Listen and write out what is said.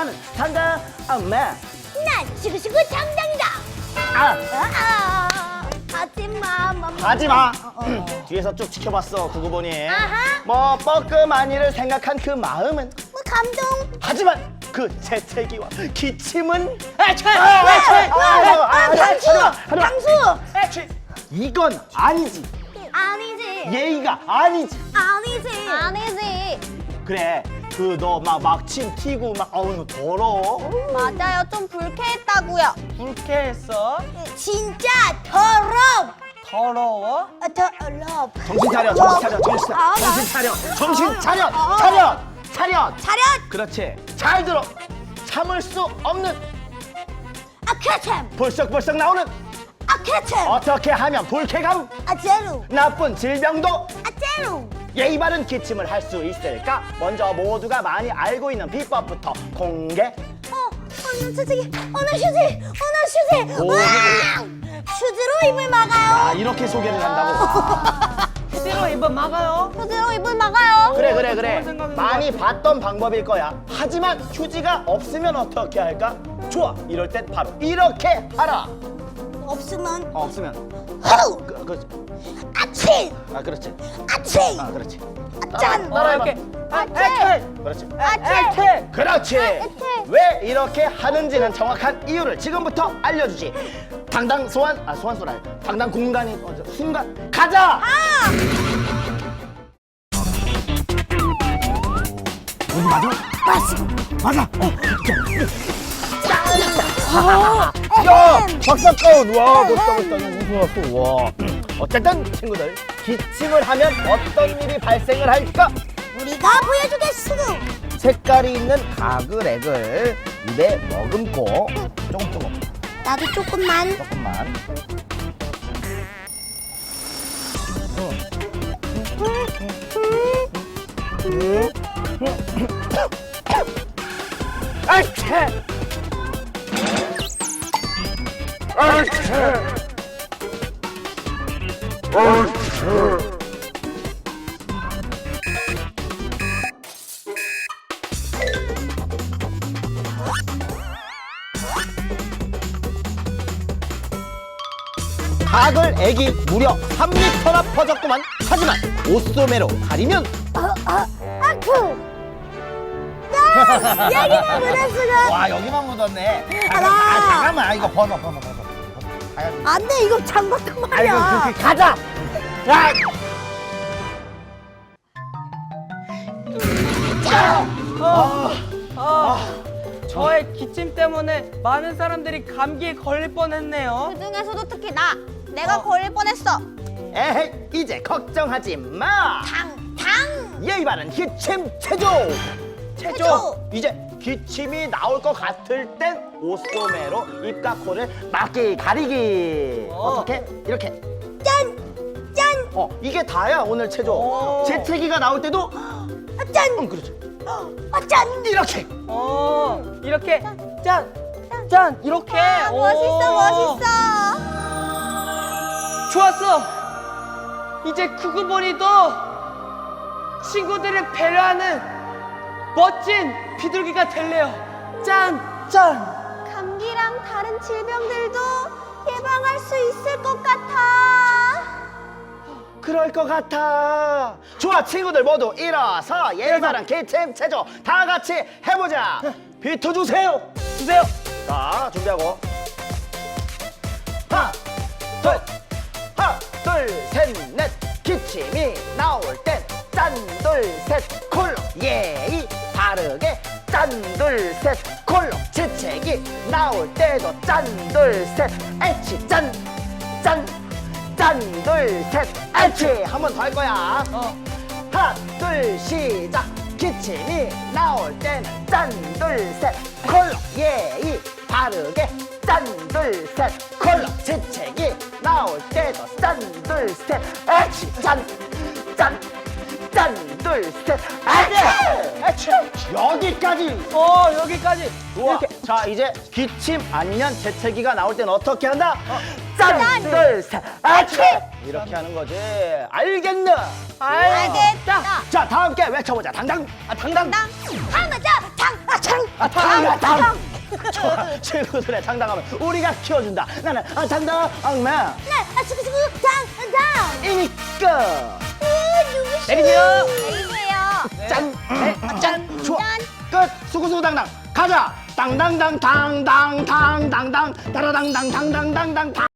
나는 당당 엄마. 난 시구시구 당당이다. 하지마. 하지마. 뒤에서 쭉 지켜봤어 구구본이. 아하. 뭐 뻐끔한 이를 생각한 그 마음은, 뭐 감동. 하지만 그 재채기와 기침은 당수. 이건 아니지. 아니지. 예의가 아니지. 아니지. 그래, 그 너 막 침 튀고 막 어우 더러워. 맞아요. 좀 불쾌했다고요. 불쾌했어? 진짜 더럽. 더러워? 더럽. 정신 차려, 정신 차려, 정신 차려, 정신 차려, 정신 차려, 차려, 차려. 차렷. 그렇지. 잘 들어. 참을 수 없는 아카참. 벌썩벌썩 나오는, 아카참. 어떻게 하면 불쾌감, 아제루. 나쁜 질병도 아제루. 예의 바른 기침을 할 수 있을까? 먼저 모두가 많이 알고 있는 비법부터 공개. 오늘 솔직히 오늘 휴지. 오. 와! 휴지로 입을 막아요. 아, 이렇게 소개를 한다고? 휴지로 입은 막아요? 휴지로 입을 막아요. 그래. 좋은 생각인 것 많이 같아. 봤던 방법일 거야. 하지만 휴지가 없으면 어떻게 할까? 좋아. 이럴 땐 바로 이렇게 하라. 없으면 없으면. 후! 그렇지. 아치. 아, 그렇지. 아치. 아, 그렇지. 짠. 따라해봐. 이렇게. 아치. 그렇지. 아치. 그렇지. 아치. 왜 이렇게 하는지는 정확한 이유를 지금부터 알려주지. 당당 소환소라. 당당 공간이 순간 가자. 어디 맞아? 맞아. 야, 박사건. 와, 멋있다. 이거 좋았어. 와. 어쨌든 친구들, 기침을 하면 어떤 일이 발생을 할까? 우리가 보여주겠어. 색깔이 있는 가글액을 입에 머금고 조금 나도 조금만. 조금만. 아차! 가글액이 무려 3리터나 퍼졌구만. 하지만 옷소매로 가리면 아크. 야, 여기만 묻었어. 와, 여기만 묻었네. 알아. 잠깐만, 이거 벗어. 안 돼, 이거 장봤단 말이야. 아이고, 가자. 야. 저의 기침 때문에 많은 사람들이 감기에 걸릴 뻔했네요. 그 중에서도 특히 내가 걸릴 뻔했어. 에헤이, 이제 걱정하지 마. 당. 예의 바른 기침 체조. 체조. 이제 기침이 나올 것 같을 땐 옷소매로 입과 코를 막기 가리기. 어떻게? 이렇게. 짠. 이게 다야 오늘 체조. 오. 재채기가 나올 때도 짠. 그렇지. 짠. 이렇게. 이렇게 짠 이렇게. 오. 멋있어. 좋았어. 이제 구구본이도 친구들을 배려하는 멋진 비둘기가 될래요. 짠. 감기랑 다른 질병들도 예방할 수 있을 것 같아. 그럴 것 같아. 좋아, 친구들 모두 일어서 예의 바른 기침 체조 다 같이 해보자. 비트 주세요. 자, 준비하고. 하나, 둘, 셋, 넷. 기침이 나올 땐 짠, 둘, 셋, 콜로. 예의 바르게 짠, 둘, 셋, 콜로. 재채기 나올 때도 짠, 둘, 셋, 애치 짠, 둘, 셋, 애치. 한 번 더 할 거야. 하나, 둘, 시작. 기침이 나올 때는 짠, 둘, 셋, 콜로. 예의 바르게 짠, 둘, 셋, 콜로. 재채기 나올 때도 짠, 둘, 셋, 애치 짠, 둘, 셋, 애치. 여기까지. 여기까지. 우와. 자, 이제 기침 아니면 재채기가 나올 때는 어떻게 한다? 짠, 둘, 셋, 애치. 이렇게 하는 거지. 알겠나? 알겠다. 자, 다 함께 외쳐보자. 당당. 하나, 당. 당당. 좋아, 친구들의 당당함을 우리가 키워준다. 나는 당당맨. 네, 수구수구 당당. 이니까 누구시? 내리세요. 내리세요. 짠, 짠, 좋아. 짠. 끝. 수구수구 당당. 가자. 당당당 당당당 당당 따라당당 당당당당 당.